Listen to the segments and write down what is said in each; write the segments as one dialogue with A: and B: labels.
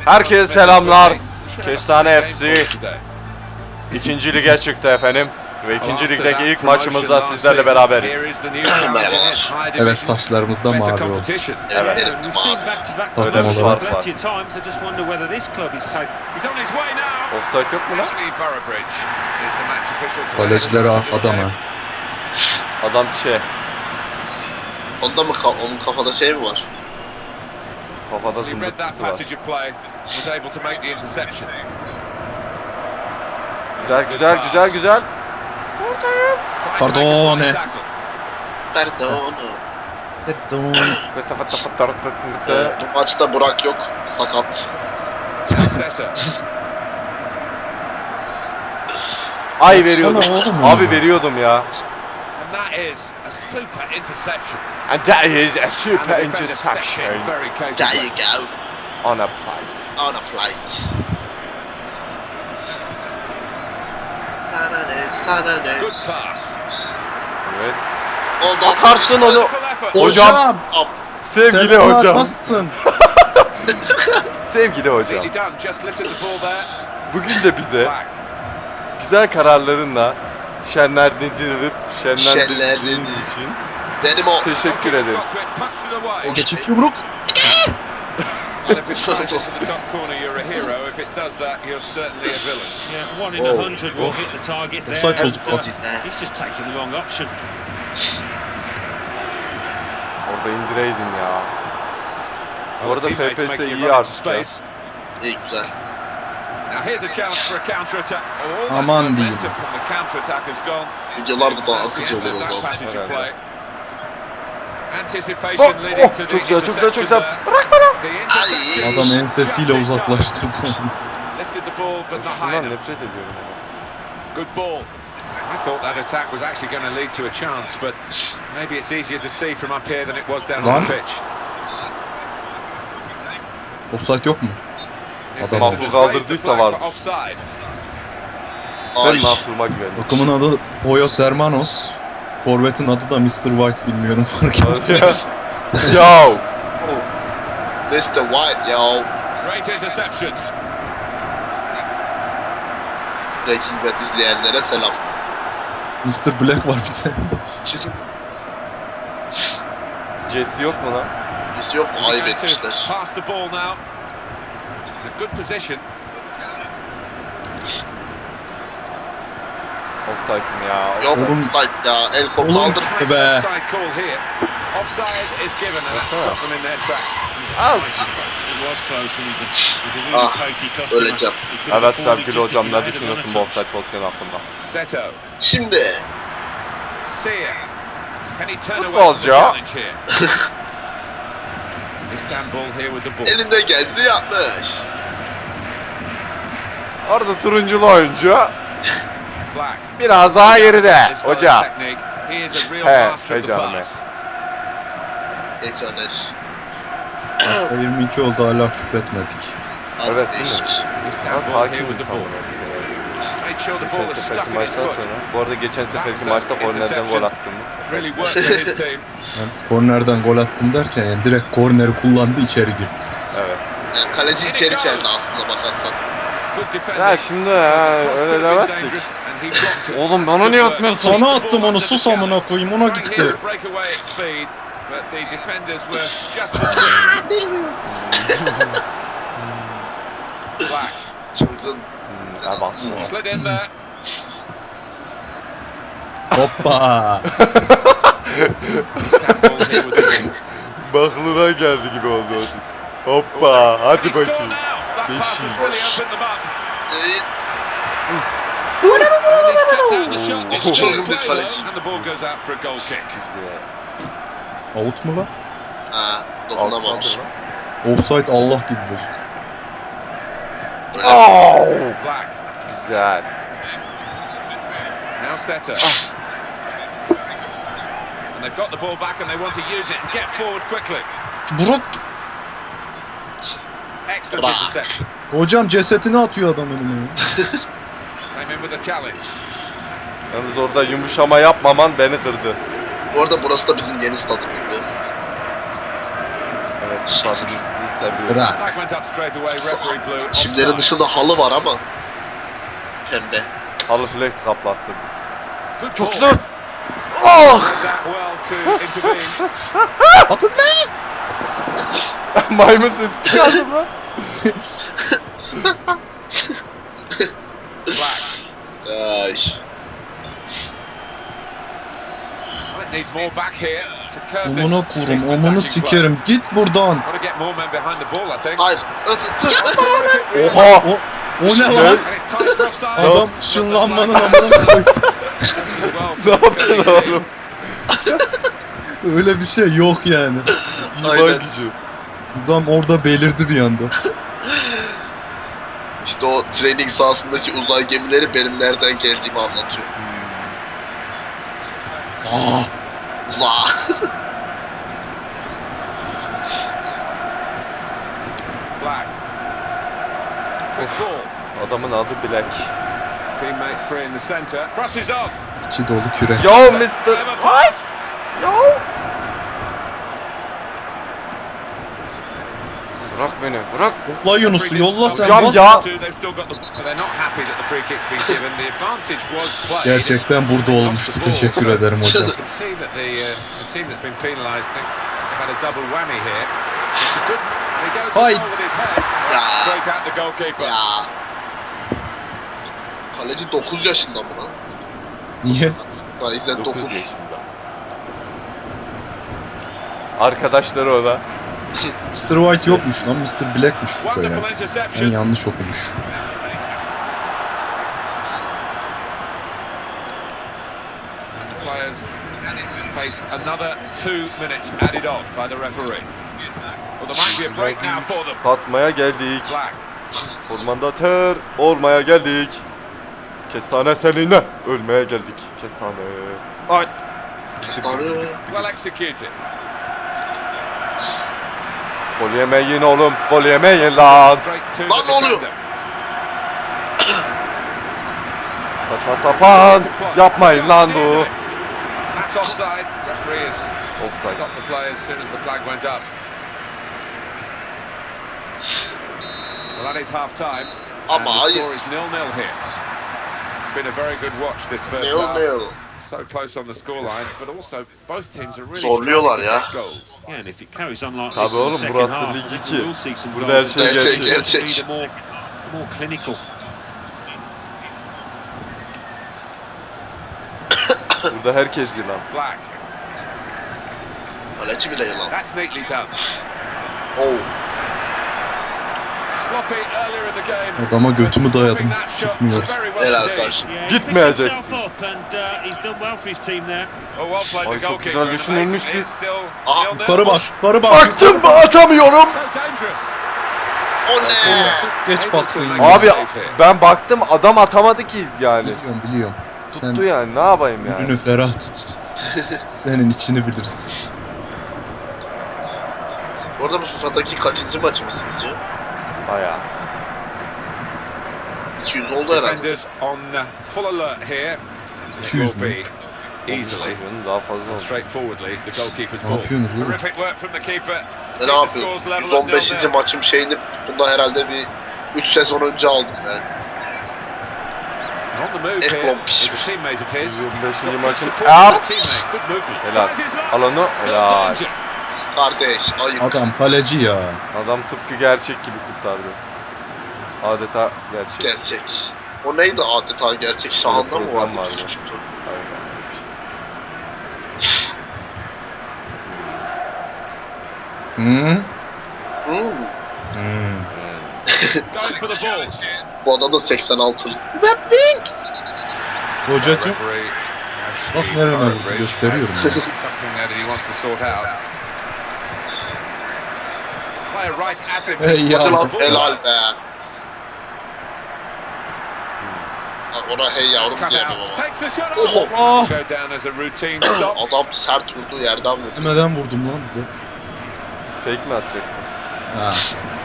A: Herkese selamlar. Kestane FC 2. lige çıktı efendim. Ve 2. ligdeki ilk maçımızda sizlerle beraberiz.
B: Merhabalar.
C: Evet, saçlarımız da mavi oldu.
A: Evet.
C: Öyle bir
A: fark var. Offside yok mu lan?
C: Kaleciler adamı.
A: Adam
B: Onda mı onun kafada şey mi var?
A: Kafada zımbırtısı var. Güzel.
C: Pardon.
B: Bu maçta Burak yok. Sakat.
A: Ay veriyordum.
C: Baksana oğlum
A: Abi
C: ya.
A: veriyordum ya. And that is a super interception.
B: There you go.
A: On a plate.
B: On a plate. Sana ne?
A: Evet.
B: Oldu.
A: Atarsın onu. Hocam. Sevgili
C: Sen
A: hocam.
C: nasılsın?
A: Sevgili hocam. Bugün de bize güzel kararlarınla şenlendirdiğiniz için
B: Benim o.
A: teşekkür ederiz.
C: Geçif yumruk. Offside bozuk bak.
A: Orada indireydin ya. Bu arada FPS iyi artık ya.
B: İyi güzel.
C: Aman diyeyim.
B: Videolarda da akıcı olur oldu.
A: Çok güzel. Bırak bana.
B: Ay.
C: Adam ensesiyle uzaklaştırdı.
A: Şundan nefret ediyorum.
D: Good ball. I thought that attack was actually going to lead to a chance, but maybe it's easier to see from up here than it was down on the pitch.
C: Offside yok mu? Adam
A: Mahvur kaldırdıysa var. Ben
B: Ay.
A: mahvuruma güvendim.
C: Takımın adı Hoyos Hermanos. Forvet'in adı da Mr. White, bilmiyorum fark ettim.
A: Yo.
B: Mr. White yo.
D: Great interception.
B: Breaking Bad izleyenlere selam.
C: Mr. Black var bir de.
A: Jesse yok mu lan?
B: Biz yok mu? Ayıp etmişler.
D: Pass the ball now. A good position.
A: Offside'ım ya.
B: Yok
C: Oğlum.
B: offside ya. El kol
C: Oğlum.
B: kaldır.
C: Be.
D: Offside call here. Offside is given and that stopped them in their tracks.
A: Azıcık.
B: Öleceğim.
A: Evet sevgili hocam, ne düşünüyorsun bu offside pozisyonu hakkında?
D: Seto.
B: Şimdi.
D: Sia. Can he turn away from the
A: Futbolcu.
D: challenge here? Istanbul here with the ball.
B: Elinde geldi yapmış.
A: Orada turunculu oyuncu
D: Black.
A: biraz daha geride
D: As well as
A: hocam.
D: technique, he is a real
A: He,
D: master of the
A: canım
D: pass.
B: Ecener.
C: 22 oldu, hala küfretmedik.
A: Evet, değil mi?
B: Değişik.
A: Ya
D: Istanbul
A: sakin
D: here with the
A: insan
D: ball.
A: bunu.
D: Made sure the
A: Geçen
D: ball was stuck
A: seferki
D: in his
A: maçtan
D: foot.
A: sonra. Bu arada geçen seferki maçta kornerden gol attım.
D: Really worked for his team.
C: Yani kornerden gol attım derken yani direkt korneri kullandı, içeri girdi.
A: Evet.
B: Yani kaleci içeri çeldi aslında bakarsan.
D: Good defending.
A: Ya şimdi öyle demezsek. Oğlum bana niye atmıyorsun?
C: Sana attım onu, sus amına koyayım, ona gitti.
B: Çılgın.
A: Ha bak.
C: Hoppa.
A: Baklığa geldi gibi oldu o siz. Hoppa hadi bakayım. Beşik.
B: Çılgın bir kaleci.
A: Güzel.
C: Out mu lan?
B: Ha, dokunamamış.
C: Offside Allah gibi bozuk.
A: Oh! Güzel.
D: Now Setter. And they've got the ball back and they want to use it and get forward quickly.
C: Burak.
D: Excellent interception.
C: Hocam cesetini atıyor adam önüme.
D: Came in with a challenge.
A: Yalnız orada yumuşama yapmaman beni kırdı.
B: Bu arada burası da bizim yeni stadımızdı.
A: Evet, stadımız Seviyorum.
C: Bırak.
D: Flag went up straight away, referee blew
B: Çimlerin
D: offside.
B: dışında halı var ama. Pembe.
A: Halı flex kaplattırdı.
D: Good
A: Çok
D: ball.
A: güzel. Oh!
D: That well to intervene.
C: Atın ne?
A: Maymun sesi çıkardım lan.
D: Flag.
B: Ay.
D: Might need more back here to curb this.
C: Omuna kurum,
D: decent
C: omunu
D: attacking
C: sikerim. Git buradan.
D: play. Got to get more men behind the ball, I think.
B: Hayır.
A: Oha!
C: O ne lan?
D: And it's tight for offside.
C: Adam ışınlanmanın amına koydu.
A: Ne yaptın oğlum?
C: Öyle bir şey yok yani.
A: İman
B: Aynen.
A: gücü.
C: Adam orada belirdi bir anda.
B: İşte o training sahasındaki uzay gemileri benim nereden geldiğimi anlatıyor.
C: Sağ.
B: Za.
D: Flag. Good ball.
A: Adamın adı Black.
D: Teammate free in the centre. Crosses on.
C: İçi dolu kürek.
A: Yo Mr.
D: Clever pass.
A: Yo! Bırak beni, bırak.
C: Yolla Yunus'u, yolla sen
A: Hocam
C: bas.
A: ya.
D: They've still got the, they're not happy that the free kick's been given. The advantage was played.
C: Gerçekten burada olmuştu. Teşekkür ederim hocam.
D: You can see that the team that's been penalised, I think they've had a double whammy here. It's a good. He goes
C: Hay.
D: with his head.
B: Ya.
D: Straight at the goalkeeper.
B: Ya. Kaleci 9 yaşında mı lan?
C: Niye?
B: Raizen
A: 9
B: 9.
A: yaşında. Arkadaşları o da.
C: Mr. White yokmuş lan, Mr. Black'miş hoca ya.
D: Wonderful
C: Ben
D: interception.
C: yanlış okumuş.
D: And the players face another 2 minutes added on by the referee. Well, there might be a break now for them.
A: Tatmaya geldik.
D: Black.
A: Ormanda ter olmaya geldik. Kestane seninle ölmeye geldik. Kestane. Ay.
B: Kestane.
D: Well executed.
A: Gol yemeyin oğlum. Gol yemeyin lan.
D: Straight to
B: Lan
D: the
B: ne oluyor?
D: defender.
A: Saçma sapan. Yapmayın lan bu.
D: That's offside. Referee has
A: Offside.
D: stopped the play as soon as the flag went up. Well, that is half time.
B: Ama
D: and the
B: hayır.
D: score is 0-0 here. Been a very good watch this first
B: Neo
D: half.
B: Neo.
D: So close on the scoreline, but also both teams are really
B: Zorluyorlar
D: trying to
B: ya.
D: get goals.
E: Yeah, and if it carries on like
A: Tabii
E: this in the
A: oğlum,
E: second
A: burası
E: half,
A: Lig
E: I think
A: 2.
E: we will see some
A: Burada her
E: goals.
A: şey
B: Gerçek,
A: gerçek.
B: gerçek.
E: Be the more clinical.
A: Burada herkes yılan.
D: Black.
B: Kaleci bile yılan.
D: That's neatly done.
B: Oh.
D: Sloppy earlier in the game.
C: Adama götümü dayadım.
D: Stopping that shot
C: Çıkmıyor.
D: very well
B: Helal
D: indeed.
B: karşı.
E: Yeah,
A: Gitmeyeceksin.
E: he picked himself up and he's done well for his team there.
D: Oh, well played
A: Ay,
D: the
A: çok güzel
D: goalkeeper.
A: düşünülmüştü.
D: It's still
B: Aa,
D: 0-0.
C: Yukarı bak, yukarı bak.
A: Baktım atamıyorum.
D: So dangerous.
B: O ne?
C: Çok geç
D: Able
C: baktın
D: to
C: ya.
D: make
A: Abi
D: a save here.
A: ben baktım adam atamadı ki yani.
C: Biliyorum, biliyorum. Sen
A: Tuttu yani, ne yapayım yani.
C: ürünü ferah tut. Senin içini biliriz.
B: Bu arada bu FIFA'daki kaçıncı maçımız sizce?
A: Bayağı.
B: 200 oldu herhalde.
D: Defenders on full alert here. It
C: 200
D: will be easily,
A: Daha fazla olmuş.
D: straightforwardly, the goalkeeper's
C: Ne
D: ball.
C: yapıyorsunuz oğlum?
D: Terrific work from the keeper.
B: Ne yapıyorum? 115. maçım şeyini bunda herhalde bir 3 sezon önce aldım yani.
D: On the move
B: Ek
D: here
B: bombiş.
D: is a teammate of his.
A: 25. maçın.
D: Support
A: Out.
D: the teammate. Good movement.
A: Helal.
D: Tries his luck.
A: Al onu.
D: Still
A: Helal.
D: danger.
B: Kardeş ayıp.
C: Adam kaleci ya.
A: Adam tıpkı gerçek gibi kurtardı. Adeta gerçek.
B: Gerçek. O neydi adeta gerçek? Şahanda mı
A: program
B: vardı
A: vardı.
B: bizim çıktı?
A: Aynen.
C: Hı?
B: Hmm.
D: Going for the ball.
B: Bu adam da 86.
C: Hocacım.
D: Referee
C: Bak
D: actually
C: nereye
D: Norwich
C: vurdu,
D: has
C: gösteriyorum ya.
D: something there that he wants to sort out. Player right at him.
C: Hey ya.
B: Hadi lan
D: Ball.
B: helal be. Ha, ona hey yavrum
D: Cut
B: diyemem
D: out.
B: ama.
D: Takes the shot
B: Oh.
D: off.
C: Ah!
D: Go down as a routine stop.
B: Adam sert vurdu yerden vurdu.
C: Demeden vurdum lan bir de.
A: Fake mi atacak?
C: Ha.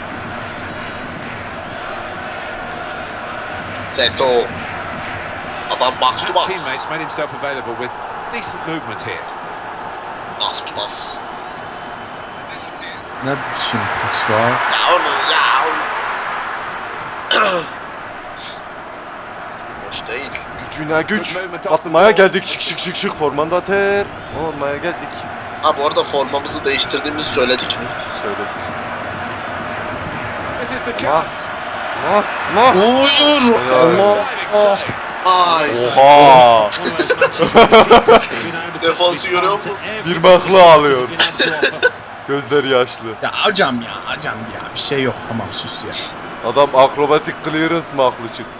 B: Seto. Adam box to
D: That
B: box.
D: teammates made himself available with decent movement here.
B: Bas to bas.
C: Ne biçim paslar?
B: Ya onu ya onu. Hoş değil.
A: Gücüne güç. Atmaya geldik şık şık şık şık formanda ter. Olmaya geldik.
B: Ha bu arada formamızı değiştirdiğimizi söyledik mi?
A: Söyledik.
D: This is the
A: Ma.
D: chance.
A: Ma. Ma.
C: Hayır. Allah.
B: Ay.
A: Oha.
B: Defansı görüyor musun?
A: Bir mahlı alıyor. Gözleri yaşlı.
C: Ya hocam ya bir şey yok, tamam sus ya.
A: Adam akrobatik clearance mahlu çıktı.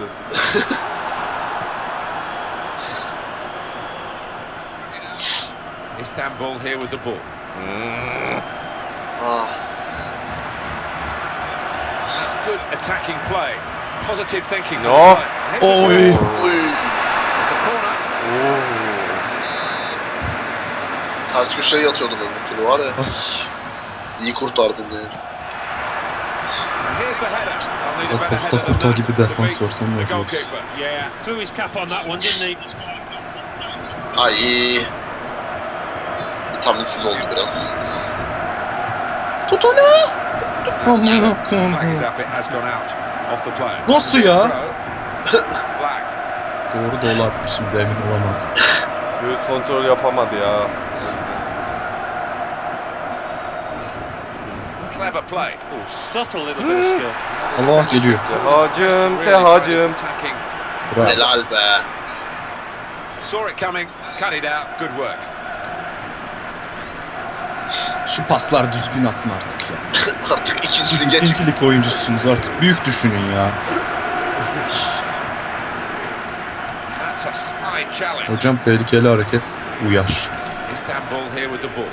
D: Istanbul here with the ball.
B: Ah.
D: That's good attacking play. Positive thinking.
A: No.
C: Oy.
B: Uy.
D: It's a corner.
A: Oo.
B: Ters köşeye yatıyordum öbür türlü var ya.
C: Ay.
B: İyi kurtardım yani.
D: And here's the header. They'll need a better
C: Costa
D: header than
C: Curta
D: that
C: gibi
D: to
C: defans
D: beat
C: var, sen ne
D: the
C: yapıyorsun?
D: goalkeeper.
E: Yeah, threw his cap on that one, didn't he?
B: Ay. Vitaminsiz oldu biraz.
C: Tut onu. Amına
D: Flag is
C: koyayım.
D: up, it has gone out off the player.
C: Nasıl ya?
D: Black.
C: Doğru dolar atmışım, emin olamadım.
A: Göğüs kontrol yapamadı ya.
D: Clever play.
E: Oh, subtle little bit of skill.
C: Allah geliyor.
A: Sehacım, Sehacım.
D: Attacking.
C: Bravo.
B: Helal be.
D: Saw it coming, cut it out. Good work.
C: Şu paslar düzgün atın artık ya.
B: Artık ikinci
C: Siz
B: lige çık.
C: ikincilik oyuncusunuz artık. Büyük düşünün ya.
D: That's a side challenge.
C: Hocam tehlikeli hareket uyar.
D: Istanbul here with the ball.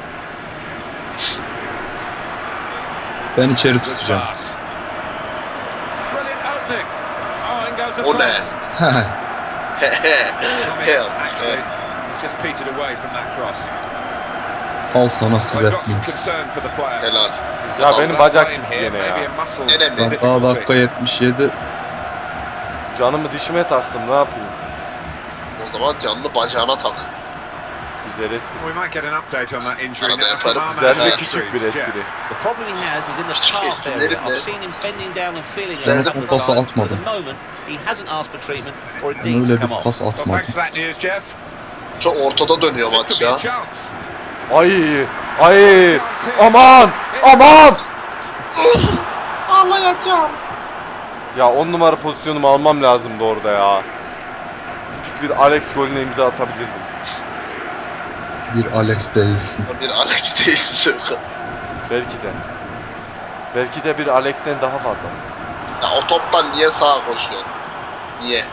C: Ben içeri
D: Good
C: tutacağım.
D: pass. Brilliant opening. Oh, in goes the
B: O ne?
D: pass.
B: Hehe.
D: Actually, he's just petered away from that cross.
C: Al sana
D: I've got some
C: Svetmins.
D: concern for the player.
B: Helal.
A: Ya benim bacak
D: Blame
A: gitti
D: here,
A: yine
D: maybe
A: ya.
D: a muscle
B: Gene mi?
C: Ben
D: difficulty.
C: daha dakika 77.
A: Canımı dişime taktım, ne yapayım?
B: O zaman canlı bacağına tak.
A: Güzel espri.
D: We might get an update on that injury
B: Arada
D: now from
B: yaparım.
D: our
A: Güzel
D: man.
A: ve küçük bir espri.
F: The problem he has is in the
B: Küçük
F: calf
B: esprilerim
F: area.
B: de.
F: I've seen him bending down and feeling it.
B: Ben
C: son
F: several
C: pası
F: times, but
C: atmadım.
F: At the moment, he hasn't asked for treatment or
C: Ben
F: indeed
C: öyle
F: to come
C: bir
F: off.
C: pas
D: Well, thanks
C: atmadım.
D: for that news, Jeff.
B: Çok ortada dönüyor
D: This
B: maç
D: could be a
B: ya.
D: chance.
A: Ay, ay, aman, aman.
B: Ağlayacağım.
A: Ya 10 numara pozisyonumu almam lazımdı orada ya. Tipik bir Alex golüne imza atabilirdim.
C: Bir Alex değilsin.
B: Bir Alex değilsin Sökan.
A: Belki de. Belki de bir Alex'ten daha fazlası.
B: Ya o toptan niye sağa koşuyorsun? Niye?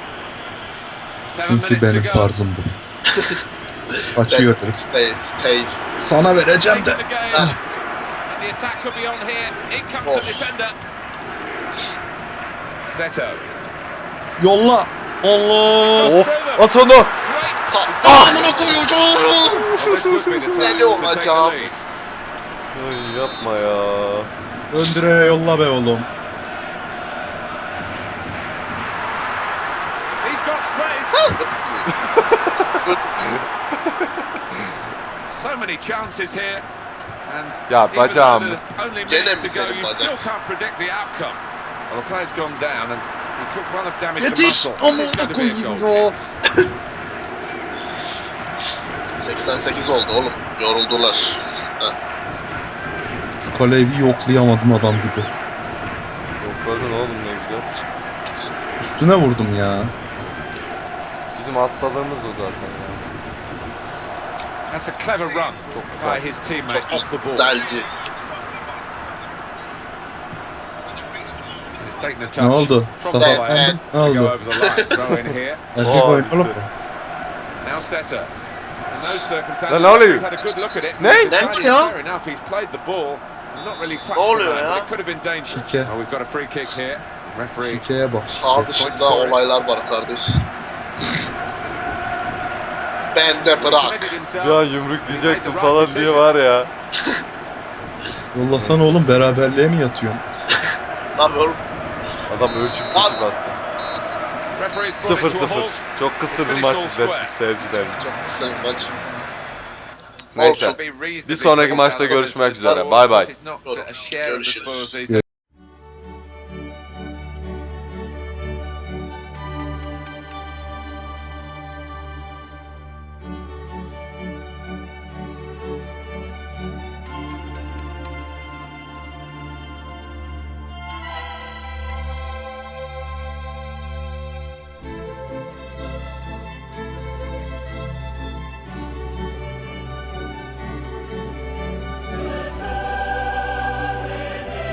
D: 7
C: Çünkü
D: minutes to
C: benim
D: go.
C: tarzım bu. Kaçıyor herif.
B: Stay.
C: Sana vereceğim de.
D: Taking the game. And the attack could be on here. In comes the defender. Seto.
C: Yolla. Allah.
A: Of, at onu.
D: Great.
C: Amına koyacağım.
D: Well, this would be the time
B: Deli
D: to take the
B: olacağım.
D: lead.
A: Ay, yapma ya.
C: Öndüre yolla be oğlum.
D: He's got space. So many chances here. And
A: Ya
D: even though
A: bacağımız.
D: there's only
B: Gene
D: minutes
B: mi
D: to go,
B: senin
D: you
B: bacak?
D: still can't predict the outcome. Well, the player's gone down and he took one of damage to
C: Yetiş.
D: muscle. It's
C: Amına
D: going to be a
C: koyayım
D: goal.
C: ya.
B: 88 oldu oğlum. Yoruldular.
C: Şu kaleyi bir yoklayamadım adam gibi.
A: Yokladın oğlum, ne güzel.
C: Üstüne vurdum ya.
A: Bizim hastalığımız o zaten ya.
D: That's a clever run
A: Çok güzel.
D: by his teammate off the
B: Çok
D: ball.
B: güzeldi.
D: He's taken the touch.
C: Ne oldu?
D: From
C: Safa
D: the player
C: efendim? Ne
D: to go
C: oldu?
D: over the line. Throw in here.
C: Erkek
A: Oo,
C: oyun oğlum.
D: Now Setter. In those circumstances,
A: Lan ne oluyor?
D: he's had a good look at it.
A: Ne?
D: He's decided
C: ya?
D: fair enough, he's played the ball. Not really touched
B: Ne oluyor
D: the man,
B: ya?
D: but it could have been dangerous.
C: Şike.
D: Well, we've got a free kick here. Referee.
C: Şikeye bak
B: Sağ
C: şike.
B: dışında olaylar var kardeş. Ben de bırak.
D: committed himself.
A: Ya yumruk diyeceksin falan diye var ya.
C: Yollasana oğlum, beraberliğe mi yatıyorsun?
B: Ne yapıyorum?
A: Adam ölçüp düşüp attı.
D: Referee's brought it to a
A: 0-0.
D: halt.
A: Çok kısır bir maç izlettik seyircilerimize.
B: Çok kısa bir maç.
A: Neyse. Bir sonraki maçta görüşmek üzere. Bay bay.
B: Görüşürüz.